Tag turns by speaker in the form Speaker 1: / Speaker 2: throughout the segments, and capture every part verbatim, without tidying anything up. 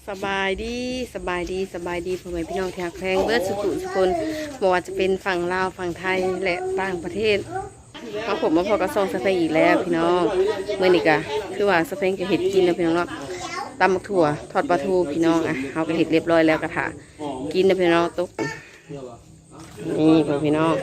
Speaker 1: สบายดีสบายดีสบายดีพ่อแม่พี่น้องที่รักแพงเบิร์ดสุขุสุคนบอกว่าจะเป็นฝั่งลาวฝั่งไทยและต่างประเทศมาผมมาพอกระซองสเปงอีกแล้วพี่น้องเมื่อนี้กะคือว่าสเปงจะเห็ดกินนะพี่น้องเนาะตำบักถั่วทอดปลาทูพี่น้องอ่ะเอากระเห็ดเรียบร้อยแล้วกระถากินนะพี่น้องตุ๊กนี่พ่อพี่น้อง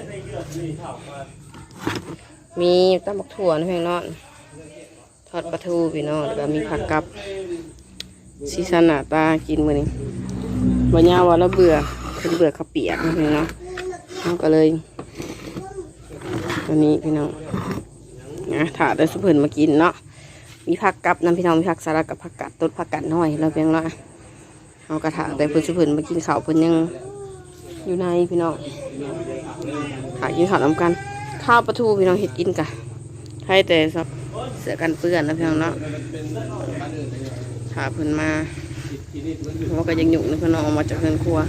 Speaker 1: มีตำบักถั่วนะพี่น้องทอดปลาทูพี่น้องแล้วก็มีผักกับซีซันหน้าตากินมื้อนี้วันยาวันละเบื่อเป็นเบื่อข้าวเปียกนะพี่น้องเราก็เลยตัวนี้พี่น้องนะถาได้สุเพิ่นมากินเนาะมีผักกับน้ำพี่น้องมีผักสลัดกับผักกัดต้นผักกัดน้อยแล้วเพียงเนาะเอากระถางแต่เพิ่นสุเพิ่นมากินข้าวเพิ่นยังอยู่ในพี่น้องหากินข้าวน้ำกันข้าวปลาทูพี่น้องเห็ดกินกะให้แต่สักเสือกันเปื้อนนะพี่น้องเนาะถาเพิ่นมาเราก็ยังหยุ่งนะเพิ่นออกมาจากเรือนครัว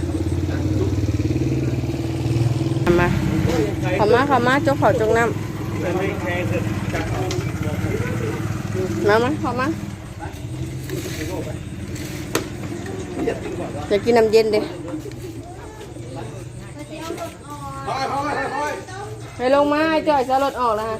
Speaker 1: มาขอมาขอมาจกขอจกน้ำมามาขอมาจะกินน้ำเย็นดิให้ลงมาจ่อยจะรถออกแล้วฮะ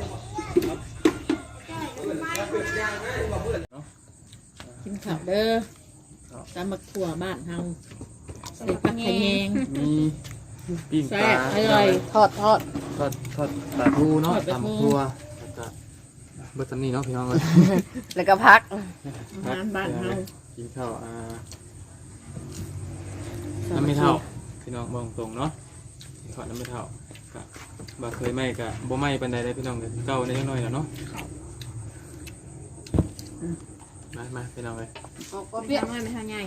Speaker 2: กินข้าวเด้อตำบักถั่วบ้านเฮาใส่ผักขะแยง
Speaker 3: มีปิ้งป
Speaker 2: แซ่
Speaker 3: ลา
Speaker 2: บอร่อย
Speaker 1: ทอดทอด
Speaker 3: ทอดทอดปลาทูเนาะ
Speaker 2: ทอดปลาทู
Speaker 3: ตำทั่วแล้วก็เบอร์ตันนี่เนาะพี่น้องเลย
Speaker 1: แล้วก็พัก
Speaker 2: อาหารบ้านเฮา
Speaker 3: กินข้าวอ่าน้ำไม่เท่าพี่น้องบอกตรงเนาะทอดน้ำไม่เท่าก็บ่เคยไหมก็บ่ไหมปานใดได้พี่น้องเลยเก่าในยังน้อยแล้วเนาะมามาพี่น้องเลย
Speaker 1: ก็เปรี้ยว
Speaker 2: ไม่ไม่ทำไง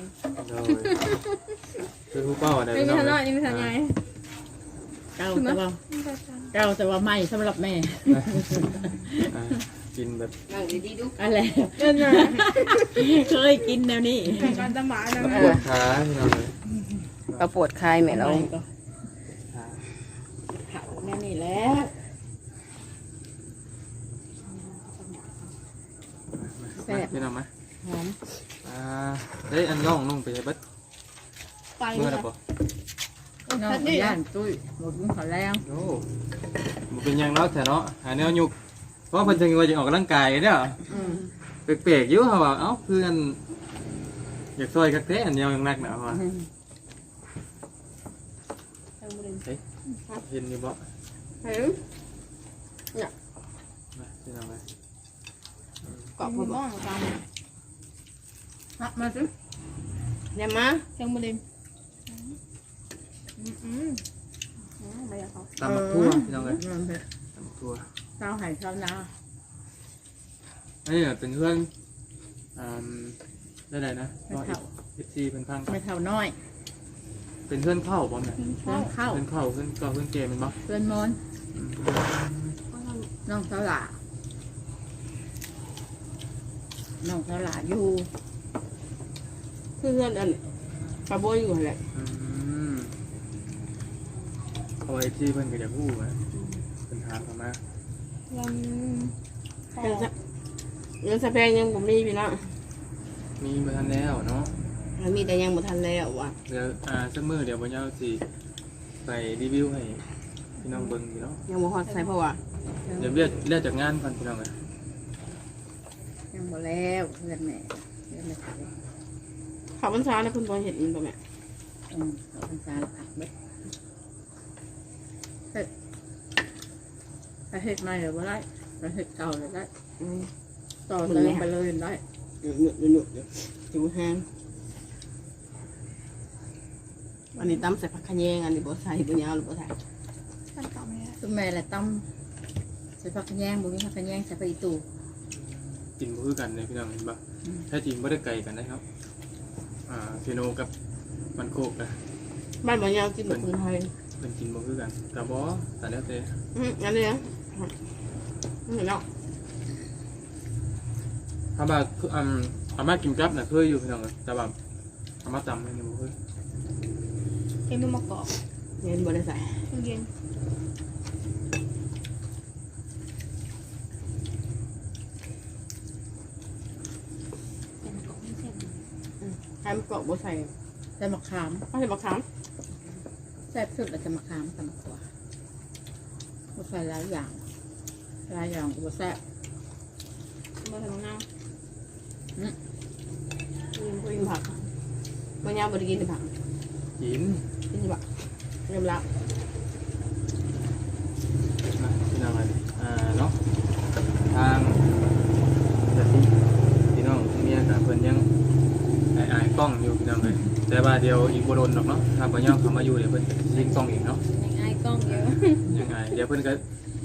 Speaker 3: คือผู้เป้าอะไร
Speaker 2: ไม่
Speaker 3: พี่
Speaker 2: มี
Speaker 3: น้อง
Speaker 2: ทำ
Speaker 3: เล
Speaker 2: น้อย
Speaker 3: ย
Speaker 2: นี่ไม่ทำไงเก่าแต่ว่าเก่าแต่ว่าไม่สำหรับแม่
Speaker 3: อ่ากินแบบ
Speaker 1: นั่งดีๆดู
Speaker 2: อะไรเคยกินแนวนี้
Speaker 4: การตะหมานะ
Speaker 3: ป
Speaker 4: แม่
Speaker 3: วดขาพี่น้องเลย
Speaker 1: เราปวดคลายแม่เรา
Speaker 3: ขา
Speaker 2: เผาแม่นี่แล้ว
Speaker 3: มาพี่น้องมา
Speaker 2: หอม
Speaker 3: อ่าเฮ้ยอันน้องนุ่งไปใช้บัด
Speaker 4: ไป
Speaker 3: เมื่อไห
Speaker 4: เล
Speaker 3: ร่
Speaker 4: ย
Speaker 3: ปะ
Speaker 2: น้องย่านตุ้ยหมดมุ้งขอแล้ว
Speaker 3: โอ้มันเป็นยังเนาะแต่เนาะหาแนวยุกเพราะเพิ่นจะว่าจะออกกำลังกายเนี่ยเปียกๆอยู่เขาว่าเอ้าคืออันอยากซอยกักแท้อันเดียวยังนักหนาว่ะเฮ้ยเห็นอยู่บ่
Speaker 1: เห็น
Speaker 3: มาที่นั่งไป
Speaker 1: เกาะ
Speaker 4: ผ
Speaker 1: ผม
Speaker 4: มบ้องตาม
Speaker 2: มามาสิ
Speaker 1: เนี่ยมา
Speaker 4: เชียงบุรีอืมอืมไม่อยากเขา
Speaker 3: ตำบักทั่วพี่น้องเลย
Speaker 2: มันเป็น
Speaker 3: ตำบักทั่ว
Speaker 2: เจ้าไห่เจ้านา
Speaker 3: อันนี้เป็นเพื่อนอ่าได้ไหนนะ
Speaker 2: ไม่เท่า
Speaker 3: เอฟซีเป็นพัง
Speaker 2: ไม่เท่าน้อย
Speaker 3: เป็นเพื่อนเข้าบ่เนี่ย
Speaker 2: เพื่อนเข้า
Speaker 3: เพื่อนเข้าเพื่อนเก่าเพื่อนเกมเป็นบ่
Speaker 2: เพื่อนมอนน้องสาวหลาน้องสาวหลาอยู่
Speaker 1: เพื่อนอันปลาโบอยู่แหละ
Speaker 3: อืมเอาไว้ที่เพื่อนก็จะพูดนะเป็นทางเข้ามา
Speaker 4: ยัง
Speaker 1: เงินสะเงินสะแพงยังผมมีพี่น้อง
Speaker 3: มีมาทันแล้วเนาะ
Speaker 1: แล้วมีแต่ยังบ่ทันแล้วว่ะ
Speaker 3: เดี๋ยวอ่าสักมือเดี๋ยวบนยาวสิไปรีวิวให้พี่น้องเบิ้งพี่น้อง
Speaker 1: ยังบ่ฮอดใส่เพราะว่า
Speaker 3: เดี๋ยวเรียกเรียกจากงานก่อนพี่น้องเลย
Speaker 2: ยังบ่แล้วเพื่อนแม่เพื่อนแม่ขาย
Speaker 1: ข้าวพรรษาเนี่ยเพิ่นบ่เห็นบ่แม่
Speaker 2: อืมเขาเป็นสารผักเบ็ดเฮ็ดถ้าเฮ็ดใหม่หรือว่าได้ถ้าเฮ็ดเก่าหรือได้
Speaker 1: อืม
Speaker 2: ต่อเติมไปเลยได้
Speaker 1: หยุดหยุดหยุดหยุดเดี๋ยวอยู่แห้งอันนี้ตำใส่ผักขะแยงอันนี้บ่ใส่บ่ยาวหรือบ่ใส่
Speaker 4: ขั้นต่อไม่ได้
Speaker 2: คุณแม่แหละต้ำใส่ผักกระแยงบุ้งผักกระแยงใส่ไปอีตู
Speaker 3: กินบ่คือกันเลยพี่น้องเห็นปะแท้จริงไม่ได้ไกลกันนะครับอ่าเซโนกับมันโคกนะ
Speaker 1: บ้านบ่ยาวกินแบบคนไทย
Speaker 3: เป็นกินบ่คือกันกับบอแต่แล้วแต่
Speaker 1: อืมอันนี้นะนี่เนาะ
Speaker 3: ถ้าว่าคืออืมอาม่ากินกับน่ะเคยอยู่พี่น้องเลยแต่ว่าอาม่าจำไม่ได้บ่เคย
Speaker 4: เอ็มมะกอก
Speaker 1: เย็นบ่ได้ใส่
Speaker 4: เย็นเป็นกอกไม่เส้น
Speaker 1: ใครมันเกาะบ่ใส่
Speaker 2: ใส่มะขาม
Speaker 1: เขาใส่มะขาม
Speaker 2: แซ่บสุดแล้วจะมะขามกับมะขวาบ่ใส่หลายอย่างหลายอย่างก็บ่แซ่บ
Speaker 4: มาทำงาน
Speaker 1: กินกินผักมันยาวบ่ได้กินแต่ผัก
Speaker 3: กิน
Speaker 1: กินผักยำลับ
Speaker 3: นะพี่น้องอะไรอ่าเนาะทางแต่ที่พี่น้องเมียกับเพิ่นยังไอ้ไอ้กล้องอยู่พี่น้องเลยแต่ว่าเดียวอีกบ่โดนดอกเนาะถ้าบ่ย่อมเข้ามาอยู่เดี๋ยวเพิ่นจะยิงกล้องอีกเนาะ
Speaker 4: ยังไงกล้องเยอะ
Speaker 3: ยังไงเดี๋ยวเพิ่นก็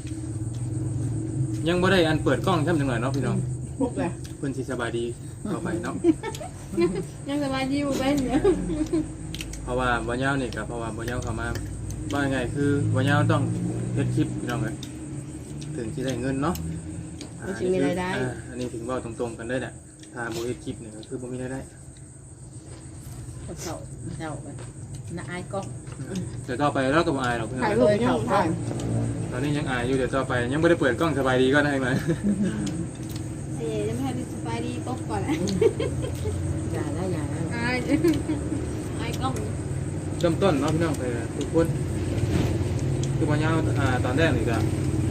Speaker 3: ยังบ่ได้อันเปิดกล้องช่ำจังหน่อยเนาะพี่น้อง
Speaker 1: พวกเลย
Speaker 3: เพิ่นสิสบายดีต่อไปเนาะ
Speaker 4: ยังสบายดีอยู่เป็นเนี่ย
Speaker 3: เพราะว่าบ่ยาวนี่ก็เพราะว่าบ่ยาวเข้ามาว่าไงคือบ่ยาวต้องเฮ็ดคลิปพี่น้องเอ้ยถึงสิได้เงินเนาะ
Speaker 1: มันสิมีรายได้
Speaker 3: อ่าอันนี้ถึงเว้าตรงๆกันได้แหละถ้าบ่เฮ็ดคลิปนี่ก็คือบ่มีรายได้
Speaker 2: ก็เฒ่าเฒ่าไปน่าอายกล้อง
Speaker 3: เดี๋ยวต่อไปเราก็บ่อายหรอกพี่น้อ
Speaker 1: ถ่าย
Speaker 3: ง
Speaker 1: รูปยังถ่าย
Speaker 3: ตอนนี้ยังอายอยู่เดี๋ยวต่อไปยังบ่ได้เปิดกล้องสบายดีก็ได้มา
Speaker 4: เอ๋จะไม่ให้สบายดีป๊บก่อนนะ
Speaker 2: อย่าแล้วอย่าแล้ว
Speaker 4: ไอ้ไอ้กล้อง
Speaker 3: เริ่มต้นเนาะพี่น้องไปทุกคนคือบ่ยาวอ่าตอนแรกนี่ก็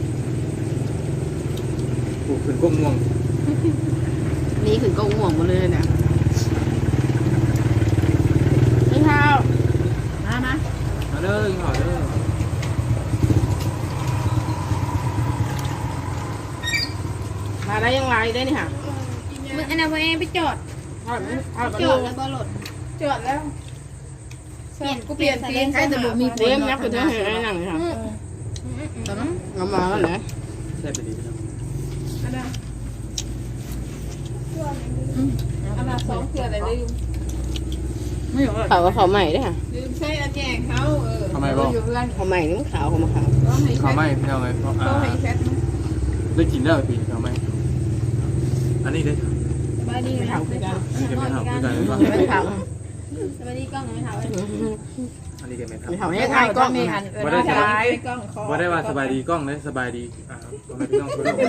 Speaker 3: ปลูกขึ้นก้มม่วง
Speaker 1: นี่คือก็ง่วงหมดเลยเนี่ยนี่ข้าว
Speaker 2: มามา
Speaker 3: มาเด้อยิงหอเด้อ
Speaker 1: มาได้ยังไงได้นี่ค่ะ
Speaker 4: มึงอันนั้นพอเองไปจอด
Speaker 1: ทอดทอด
Speaker 4: จ
Speaker 1: จ
Speaker 4: อ
Speaker 1: อ
Speaker 4: ด
Speaker 1: ด
Speaker 4: แล้วบอลด
Speaker 1: จอดแล้ว
Speaker 4: เปลี่ยน
Speaker 1: กูเปลี่ยนตีน
Speaker 2: ใครแต่บ่มี
Speaker 1: เต็มยักษ์คือเธอเห็นไอ้หนังเลยค่ะ
Speaker 2: ตอนนั้น
Speaker 1: เอามาแล้วนะ
Speaker 3: แซ่บไปดีพี่น้อง
Speaker 4: อันนั้นอันนั้นสองเถื่อแต่ลืม
Speaker 2: ไม่หรอก
Speaker 1: เขาว่าเขาใหม่ด้วยค่ะ
Speaker 4: ลืมใช้อาแจงเขาเออ
Speaker 3: ทำไมบ่
Speaker 4: อยู่เพื่อน
Speaker 1: เขาใหม่นี่มันขาวเขามาขาว
Speaker 4: ก็ให้
Speaker 3: ข้าว
Speaker 4: แช
Speaker 3: ไหม้
Speaker 4: ท
Speaker 3: พี่น้องเลยเพราะอ่า
Speaker 4: ก็ให้แชท
Speaker 3: ได้กินแล้วปีข้าวไหม้อันนี้เด้อ
Speaker 4: สบายดีไหม
Speaker 1: ขาวคือกัน
Speaker 3: อันนี้ก็ไม่เท่าคือกันเลยป่ะ
Speaker 1: ไม่ขาว
Speaker 4: สบายดีกล้องไม่เท่าเลย
Speaker 3: อันนี้ก็ไม่เท่า
Speaker 1: ไม่ขาวให้ถ่ายกล้อง
Speaker 2: มี
Speaker 1: นี่
Speaker 2: อั
Speaker 1: ค่ะ
Speaker 2: นเออ
Speaker 3: บ่ได้
Speaker 2: ได้
Speaker 3: สบาย
Speaker 4: กล้องคอ
Speaker 3: บ่ได้ว่าสบายดีกล้องเลยสบายดีอ่าพ่อแม่พี่น้องทุกคน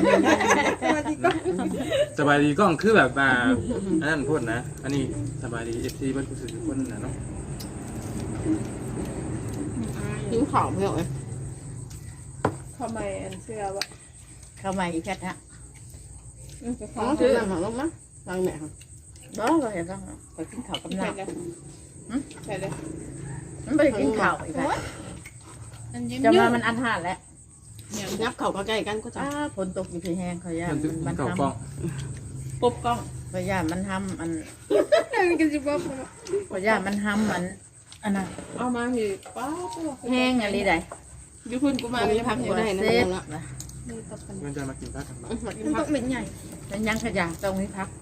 Speaker 3: สบายดีกล้องคือแบบอ่าอันนั้นพูดนะ อันนี้สบายดี เอฟ ซี เพิ่นผู้สื่อทุกคนน่ะเนาะ
Speaker 1: ยิ้มขาวเพื่อนเลย
Speaker 4: ทำไมอันเสื้อวะ
Speaker 2: เข้ามาอีกแค่ฮะ
Speaker 4: อืมจะข
Speaker 1: อ๋
Speaker 4: อ
Speaker 1: อ
Speaker 4: ซื้
Speaker 1: ซื้
Speaker 4: อ
Speaker 1: อหนังของลูกมั้ยรังแม่ค่ะ
Speaker 2: บ่ก็เห็นต้องไปกินข้าวกับ
Speaker 4: ใส่
Speaker 2: น้ำ
Speaker 4: เลยใส่เลย
Speaker 2: มันไปกินข้าวอีกแล้ว
Speaker 4: อันยิ้ม
Speaker 2: จะ
Speaker 4: ยื
Speaker 2: มา
Speaker 4: ด
Speaker 2: มันอันหาดแล้ว
Speaker 1: งับเข่าใกล้กันก็จะ
Speaker 2: อ้าฝนตกอยู่ที่แห้งเขาย่า
Speaker 3: มันจะ
Speaker 2: มัน
Speaker 3: เก่า
Speaker 2: ท
Speaker 3: กล้อง
Speaker 2: ำปุ๊บกล้องเขาย่ามันทำอัน
Speaker 4: กันสิบ๊อบ
Speaker 2: เขาย่ามันทำอันอันน่ะ
Speaker 4: เอามาคือป้า
Speaker 2: แห้งอะไรใด
Speaker 1: ยูพุ่นกูมาไม่พักอยู่ได้นะ
Speaker 2: เซ็ต
Speaker 1: ละ
Speaker 2: นะ
Speaker 4: นี่ตับกัน
Speaker 3: เพื่อนจะมากินพักกันบ้าง
Speaker 1: มากิน
Speaker 4: มัน
Speaker 1: พั
Speaker 4: ต้
Speaker 1: ก
Speaker 4: องเป็นใหญ่
Speaker 2: แล้วยังขยะตรงนี้พัก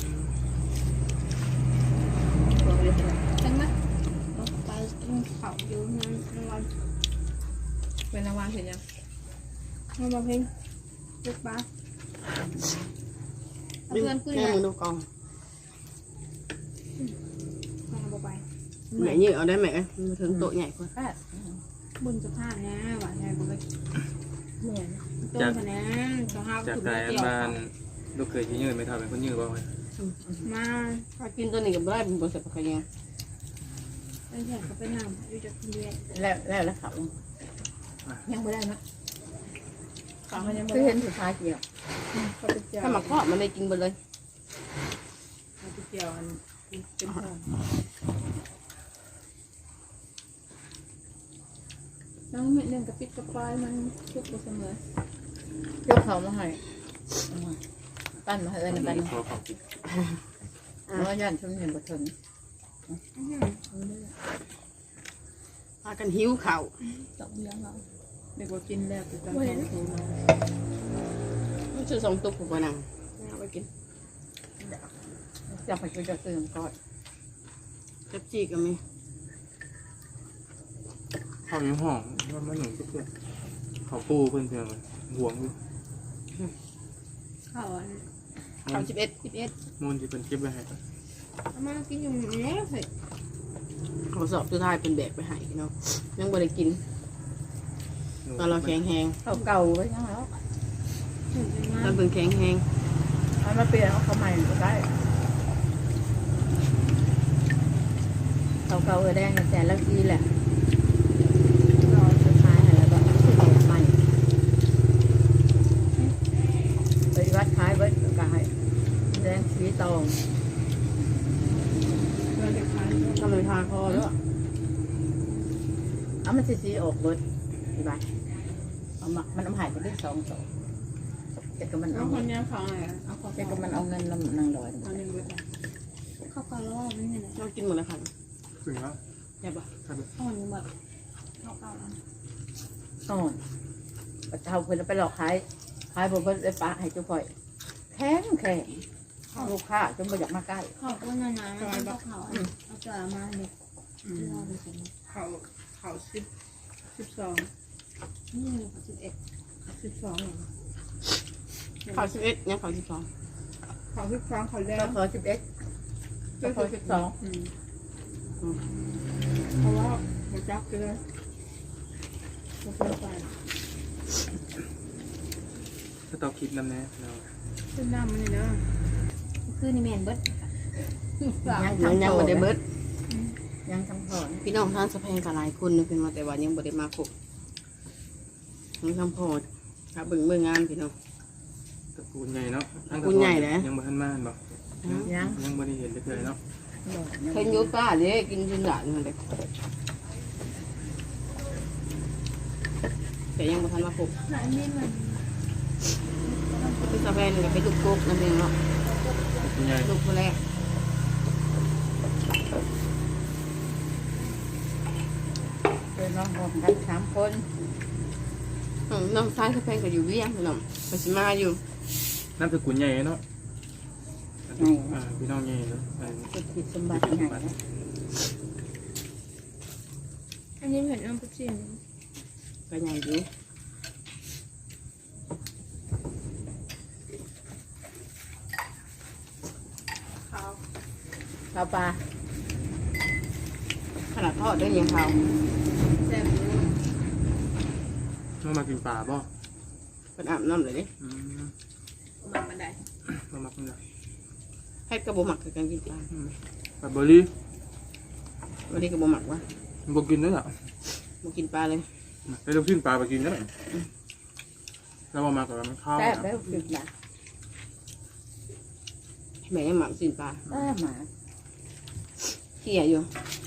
Speaker 4: จังไหมไปกินข้าวอยู่นั่นวันเป็นรางวัลเสร็จยังมาบอกเพลงลูกบ้าเพื่อนคุย
Speaker 1: แม่
Speaker 4: กัน
Speaker 1: มึงดูกอง
Speaker 4: มาบอกไป
Speaker 1: แม่ยืดเอาได้ไหมมาถึงโต๊ะใหญ่กว่า
Speaker 2: แปด
Speaker 4: บุญสภาพนะหวานใจบอกไป
Speaker 2: เหนื่อย
Speaker 4: ต้นคะแนนสภาพ
Speaker 3: จาก
Speaker 4: ถูก
Speaker 3: ใจอัน
Speaker 4: เกี่ยว
Speaker 3: บ้านลูกเคยที่ยืนไม่เท่าเป็นคนยืนบ่เว้ย
Speaker 4: มา
Speaker 1: ถ้ากินตัวนี้กับได้เป็นบริษัทขยัน
Speaker 4: เป็นแขกเขาเป็นนำอยู่จากคนเดียว
Speaker 2: แล้วแล้วแล้วเขา
Speaker 4: ยังไม่ได้นะเขายังไม่
Speaker 2: คือ
Speaker 4: ได้
Speaker 2: เห็นสุดท้ายเกี่ยว
Speaker 4: เขาเป็นเจียว
Speaker 1: ถ้ามาเคาะมันได้กินไปเลย
Speaker 4: เขาเป็นเจียวอันเป็นหอมน้องเม็ดหนึ่งกระปิดกระปายมันทุกเสมอย
Speaker 2: กเขามาให้ปั้นมาให้เอิญปั้น
Speaker 3: ขอขอบคุณ
Speaker 2: เพราะว่าย่านชุ่มเห็นบทถึง
Speaker 1: พากันหิวเข่า
Speaker 4: ตบเลี้ยงเรา
Speaker 2: เด็กว่ากินแล้วจะ
Speaker 4: ไม่เห็น
Speaker 1: ไม่ชื่อสองตุ๊กกูนังเอาไปกิน
Speaker 2: อยากไปกินจะตื่นก่อน
Speaker 1: เจ็บจีก็มี
Speaker 3: ข้าวอยู่ห้องมันมันหนุ่มเพื่อนเขาปูเพื่อนเพื่อนเลยห่วงอยู่
Speaker 4: เขาอัน
Speaker 1: เข่าสิบเอ็ด
Speaker 4: สิบเอ็ด
Speaker 3: มูลที่เป็นคลิปไว้ให้
Speaker 4: เอามากินอยู่แล้วเสร็จ
Speaker 1: เขาสอบสุดท้ายเป็นแบกไปให้เนาะยังบ่ได้กินตอนเราแข็งแหง
Speaker 2: เขาเก่าไว้ยังแล้ว
Speaker 4: ถึงจะมา
Speaker 1: ตอนเป็นแข็งแหง
Speaker 2: เอามาเปลี่ยนเอาเขาใหม่ก็ได้เขาเก่าเออแดงแสนละทีแหละรอสุดท้ายแล้วก็ซื้อใหม่ไปวัดขายเบิดก็ให้แดงสีตอง
Speaker 4: เราจะขาย
Speaker 1: ทำเป็นทางคอแล้ว
Speaker 2: เอามันสีสีออกเบิดดีบ้าเอามามันเอาหายไปได้สองสองแต่ก็มัน
Speaker 4: เอา
Speaker 2: เอา
Speaker 4: คนนี้เขาไงเอาขอ
Speaker 2: แต่ก็มันเอาเงินลำนางลอย
Speaker 4: เอาหนึ่งเบิดเข้าวกะล่อไม่เห็นเลย
Speaker 1: เรากินหมดเลยค่ะ
Speaker 3: ถึงแล้ว
Speaker 1: ใช่ปะ
Speaker 3: ครับ
Speaker 4: อ่อนหมดเข้าวเก่าแล้ว
Speaker 2: อ่อนปะเทาเพิ่นเอาไปหลอกขายขายบ่เพิ่นได้ปลาให้เจ้าพ่อยแข็งแข็งลูกค้าจนบ่อยากมาใกล้
Speaker 4: ข้าวก็นานๆมันก็เขาเอาเจอมาเลยรอไปสิ
Speaker 5: เขาเขาสิบสิบสอง
Speaker 4: นี่สิบเอ็ด
Speaker 5: สิบสอง
Speaker 1: เขาสิบเอ็ดเนี่ยเขาสิบสอง
Speaker 5: เขาสิบสองเขาแล้
Speaker 2: ก็
Speaker 5: ว
Speaker 2: ขอสิบเอ็ดก็ขอสิบสอง
Speaker 5: อืมเพราะว่าหัวจักเลยไม่เคยไป
Speaker 3: ถ้าต้องคิดนำแน่เรา
Speaker 5: เส้นน้ำมันนี่นะ
Speaker 4: คือนี่แมนเบิด
Speaker 2: ยัง
Speaker 1: ยัง
Speaker 2: ทำ
Speaker 1: ยัง
Speaker 2: โต
Speaker 1: บ่ได้เบิด
Speaker 2: ยังทำพอน
Speaker 1: พี่น้องทางสะแพงกับหลายคนนึกเป็นมาแต่ว่ายังบ่ได้มาครบยังทำพอครับเบิ่งเบิ่งงานพี่น้อง
Speaker 3: ตระกูลใหญ่เนาะ
Speaker 1: ตระกูลใหญ่แหละ
Speaker 3: ยังบ่ทันมาบ่
Speaker 2: ยัง
Speaker 3: ยังบ่ได้เห็นเลยเนาะ
Speaker 1: เพิ่นอยู่ป้าเด้กินจนหลานนั่นแหละแต่ยังบ่ทันมาครบ
Speaker 4: หลายนี่มัน
Speaker 1: พี่สะแพงก็เป็นลูกกกนั่นเองเนาะ
Speaker 3: ตระกูลใหญ่
Speaker 1: ลูกคนแรก
Speaker 2: เป็นน้องพร้อมกันสามคน
Speaker 1: อืมน้องชายสะแพงก็อยู่เวียงพี่น้องก็สิมาอยู่
Speaker 3: น้ำตระกูลใหญ่เนาะอ่าพี่น้องใหญ่เนาะอ่า
Speaker 2: สุดผิดสมบัติใหญ่นะ
Speaker 4: อันนี้เห็นน้ำปุ๊บซิน
Speaker 1: ก็ใหญ่อยู่
Speaker 5: เขา
Speaker 2: ข้าวปลา
Speaker 1: ขนาดทอดด้วยยังเขา
Speaker 5: แซ่บอยู่
Speaker 3: น้องมากินปลาบ่
Speaker 1: เป็นอาบน้ำเลยดิ
Speaker 3: อืม
Speaker 5: มาบันได
Speaker 3: มามักนี่ล่ะ
Speaker 1: ให้กระบอกหมักกับการกินปลา
Speaker 3: อืมปลาเบอร์รี่
Speaker 1: วันนี้กระบอกหมักวะ
Speaker 3: บ่กินเด้อล่ะ
Speaker 1: มากินปลาเลย
Speaker 3: ไปลูกชิ้นปลาไปกินเด้อแล้วบ่มาก็มันข้าว
Speaker 2: แซ่บแล้วผิดนะ
Speaker 1: แม่ยังหมักสินปลา
Speaker 2: แซ่บหมา
Speaker 1: เขี่ยอยู่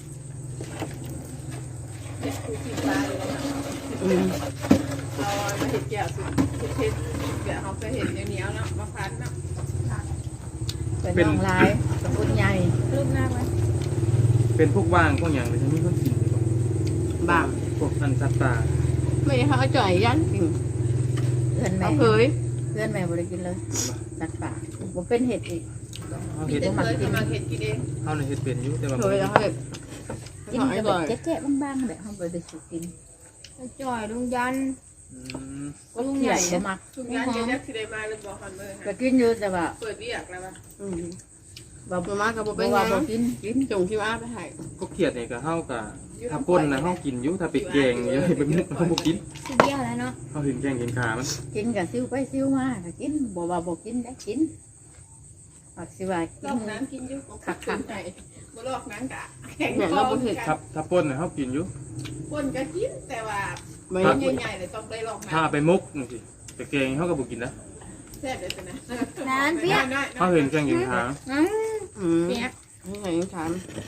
Speaker 5: เด็ดคือกินปลาเลยนะ
Speaker 1: อืม
Speaker 5: เราไม่เห็นแก้วสุดสุดเพชรเดี๋ยวเขาเคยเห็นเหนียวๆเนาะมาพันเนาะ
Speaker 2: เป็นน้องลายตระกูลใหญ่
Speaker 4: รูปหน้าไว้
Speaker 3: เป็นพวกว่างพวกหยังเลยที่มีคนกินอยู่บ่
Speaker 1: บาง
Speaker 3: พวกอันสัตว์ป่า
Speaker 1: ไม่ได้เขาเอาจ่อยยันกิน
Speaker 2: เพื่อนแม่
Speaker 1: เขาเคย
Speaker 2: เพื่อนแม่บริกินเลยสัตว์ป่าผมเป็นเห็ดอีก
Speaker 3: เฮา
Speaker 5: มี
Speaker 3: เฮ็ด
Speaker 5: แต่เคยจะมาเห็นกินเอง
Speaker 3: เฮาน่ะเฮ็ดเป็นอยู่แต่ว่า
Speaker 1: เค
Speaker 3: บ่
Speaker 1: ย
Speaker 3: ได้
Speaker 1: แล้วเขาเลย
Speaker 2: กิน
Speaker 1: เขา
Speaker 2: แต่
Speaker 1: ให้
Speaker 2: แบ
Speaker 1: จ่
Speaker 2: บ
Speaker 1: อย
Speaker 2: แจ๊ะๆบ้างๆแบบเขาบริสุทธิ์กิน
Speaker 4: จ่อยลุงยัน
Speaker 3: อืม
Speaker 2: ก็เที่ยวบ่มัก
Speaker 5: ทุกงานยังยักที่ได้มาเลยบอกคันเมื่อ
Speaker 2: ก็กินอยู่แต่ว่า
Speaker 5: เปิดเรียกแล้วป่ะ
Speaker 1: อืม
Speaker 2: บ่
Speaker 1: มามากับบ่
Speaker 2: บ่
Speaker 1: เป็น
Speaker 2: ว่า
Speaker 1: ไง
Speaker 2: บ่กินกิน
Speaker 1: จงที่ว่าไปให้
Speaker 3: พวกเขียดนี่ก็เฮาก็ถ้าป่นนะเฮากินอยู่ถ้าไปแกงอยู่ไปมุกเฮาบ่กิน
Speaker 4: สุดเดียวแล้วเนาะ
Speaker 3: เฮาเห็นแกงเห็นขามัน
Speaker 2: กินกับซิวไปซิวมาก็กินบ่ว่าบ่กินได้กินปักสิว่ากิ
Speaker 5: ลอน กน้ำกินอยู่ของขัดขันไหนมาลอกน้ำกะแข็ง
Speaker 1: เนี่ย
Speaker 5: คอ
Speaker 1: เราบ่เผ็ด
Speaker 3: ถ้าถ้าป่นน่ะเฮากินอยู่
Speaker 5: คนก็กินแต่ว่า
Speaker 1: ไม่
Speaker 5: คนใหญ่ๆเลยต้องได้ลอก
Speaker 3: ถ้า
Speaker 5: น้ำ
Speaker 3: ไปมุกจังซี่ไปแกงเฮาก็บ่กินนะ
Speaker 5: แซ่บเลยนะ
Speaker 4: นานเปี้ย
Speaker 5: น้อย
Speaker 3: เฮาเห็นแกงเห็นขา
Speaker 4: อืม
Speaker 1: อืม
Speaker 4: เปี้ย
Speaker 1: ให้ใส่ถาม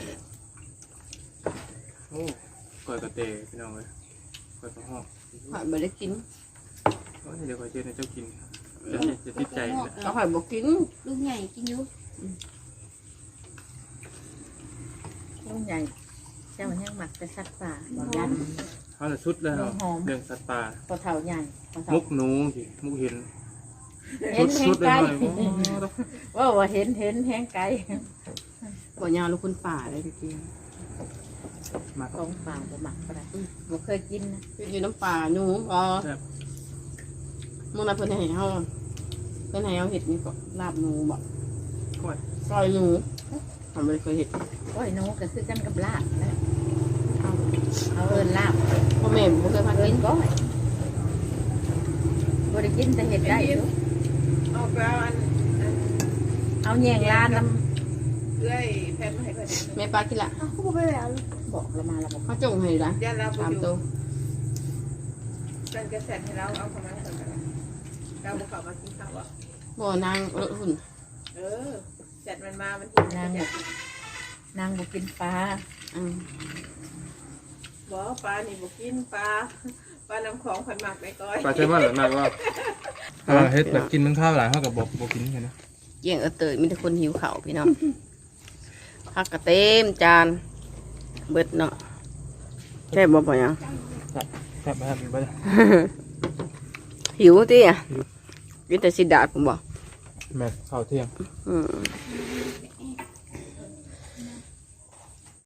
Speaker 3: โอ้ก้อยกระเตพี่น้องเอ้ยก้อยกระหอก
Speaker 1: ข่อยบ่ได้กิน
Speaker 3: โอ้ยเดี๋ยวข่อยเฮ็ดให้เจ้ากินจะจะติดใจนะ
Speaker 1: เขาข่อยบ่กิน
Speaker 4: ลูกใหญ่กินอยู่
Speaker 2: ลุงใหญ่เจ้ายังหมักแต่สัตว์ป่าบ่ยัน
Speaker 3: เฮาน่ะสุดแล้วเรื่องสัตว์ป่า
Speaker 2: พอเฒ่าใหญ่พอเฒ่า
Speaker 3: มุกหนูสิมุกเห็น
Speaker 2: เห็นแห
Speaker 3: สุ
Speaker 2: ง
Speaker 3: ดๆเล
Speaker 2: ไกล
Speaker 3: ยหน่อยโอ้
Speaker 2: ว่าว่าเห็นเห็นแหงไกล
Speaker 1: บ่ยาวลูกคนป่าเลยพี่กิน
Speaker 3: มา
Speaker 2: ของป่าบ่หมักก็ได้บ่เคยกินนะ
Speaker 1: อยู่น้ำป่าหนูอ๋อมื่อนั้นเพิ่นให้เฮาเพิ่นให้เฮาเฮ็ดนี่ก็ลาบหนูบ่
Speaker 3: ก้อย
Speaker 1: ซอยหนูทำบ่ได้เคยเฮ็ด
Speaker 2: โอ้ยหนูก็คือกันกับลาบนะเอาเอาเอิ้นลาบ
Speaker 1: พ่อแม่บ่เคยพา
Speaker 2: เอิ้
Speaker 1: กิ
Speaker 2: น
Speaker 1: น
Speaker 2: ก้อยบ่ได้กินแต่เห็ดได้อยู่
Speaker 5: เอาไปเอาอัน
Speaker 2: เอาแยงลานน้
Speaker 5: เอื้เอ้ยแพนมาให้ก่อน
Speaker 1: แม่ปลากินละ
Speaker 4: อ้าวเขาบอกไปแล้ว
Speaker 2: บอกเรามาเราบอก
Speaker 1: เขาจงให้ละ
Speaker 5: ย่านเราไป
Speaker 1: สาม
Speaker 5: อยู่
Speaker 1: ตัว
Speaker 5: กันกระแสให้เราเอาเข้ามาก่อนกันเราบุกเข้ามากินข้าวอ่ะ
Speaker 1: บ่อนางรถหุ่น
Speaker 5: เออแสร็จมันมามันกิน
Speaker 2: นาง
Speaker 5: แส
Speaker 2: บอกนางบอกกินปลา
Speaker 1: อืม
Speaker 5: บอกปลานี่บุกินปลาปลาน้ำของพันหมักในก้อย
Speaker 3: ปลาเชอร์มันหรือมากว่าอ่าเฮ็ดแบบกินมันข้าวหลายเท่ากับบอกบอกกินกันนะ
Speaker 1: เกี่ยงเออเตยมีแต่คนหิวข้าวพี่น้องผักกระเต็มจานเบิดเนาะแค่บบ่พอยัง
Speaker 3: แซ่บไหมครับไปเลย
Speaker 1: หิวติอ่ะกินแต่สิดาดผมบอก
Speaker 3: แม่ข้าวเที่ยง
Speaker 1: อืม